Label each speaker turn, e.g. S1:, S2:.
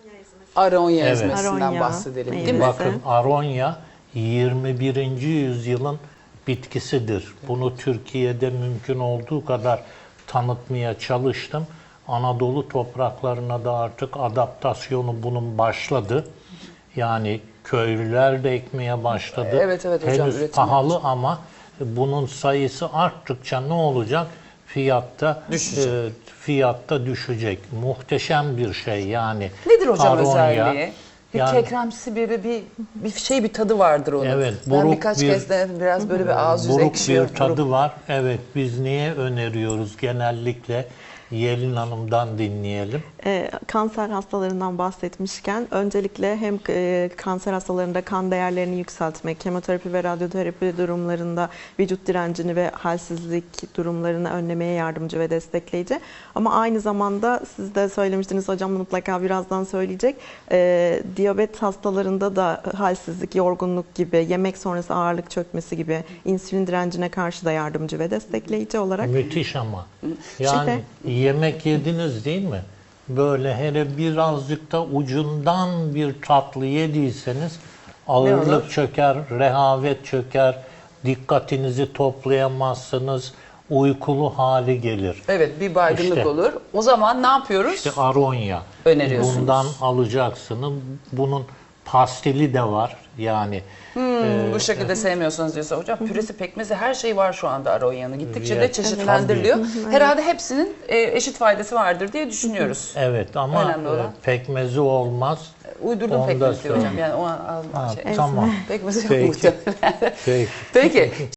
S1: Aronya
S2: Evet.
S1: ezmesinden
S3: Aronya
S1: bahsedelim değil mi?
S3: meyvesi.
S2: Bakın aronya 21. yüzyılın bitkisidir. Bunu Türkiye'de mümkün olduğu kadar tanıtmaya çalıştım. Anadolu topraklarına da artık adaptasyonu bunun başladı. Yani köylüler de ekmeye başladı.
S1: Evet, evet hocam,
S2: Henüz
S1: üretim
S2: pahalı ama bunun sayısı arttıkça ne olacak?
S1: Düşecek.
S2: Fiyatta düşecek. Muhteşem bir şey yani.
S1: Nedir hocam
S2: Aronya,
S1: özelliği? Bir
S2: yani-
S1: kekremsi bir tadı vardır onun.
S2: Evet,
S1: Ben
S2: buruk
S1: birkaç
S2: bir-
S1: kez de biraz böyle bir ağız yüzü
S2: Buruk
S1: ekşiyor.
S2: bir tadı var. Evet, biz niye öneriyoruz genellikle? Yelin Hanım'dan dinleyelim.
S3: Kanser hastalarından bahsetmişken öncelikle hem kanser hastalarında kan değerlerini yükseltmek, kemoterapi ve radyoterapi durumlarında vücut direncini ve halsizlik durumlarını önlemeye yardımcı ve destekleyici. Ama aynı zamanda siz de söylemiştiniz hocam, mutlaka birazdan söyleyecek. Diyabet hastalarında da halsizlik, yorgunluk gibi, yemek sonrası ağırlık çökmesi gibi insülin direncine karşı da yardımcı ve destekleyici olarak.
S2: Müthiş ama. Yani yemek yediniz değil mi? Böyle hele birazcık da ucundan bir tatlı yediyseniz ağırlık çöker, rehavet çöker, dikkatinizi toplayamazsınız, uykulu hali gelir.
S1: Evet, bir baygınlık
S2: İşte.
S1: olur. O zaman ne yapıyoruz?
S2: İşte aronya.
S1: Öneriyorsunuz.
S2: Bundan alacaksınız. Bunun pastili de var. Yani
S1: Bu şekilde sevmiyorsanız diyorsa hocam, püresi, pekmezi, her şey var şu anda Aronya'nın. Gittikçe de
S2: Evet,
S1: çeşitlendiriliyor. Herhalde hepsinin eşit faydası vardır diye düşünüyoruz.
S2: evet ama
S1: Önemli olan.
S2: pekmezi olmaz.
S1: Uydurdum
S2: Onu da
S1: pekmezi diyor hocam.
S2: söyleyeyim.
S1: Yani o
S2: Ha,
S1: şey.
S2: tamam.
S1: Pekmezi yok
S2: Peki.
S1: muhtemelen.
S2: Peki.
S1: Peki.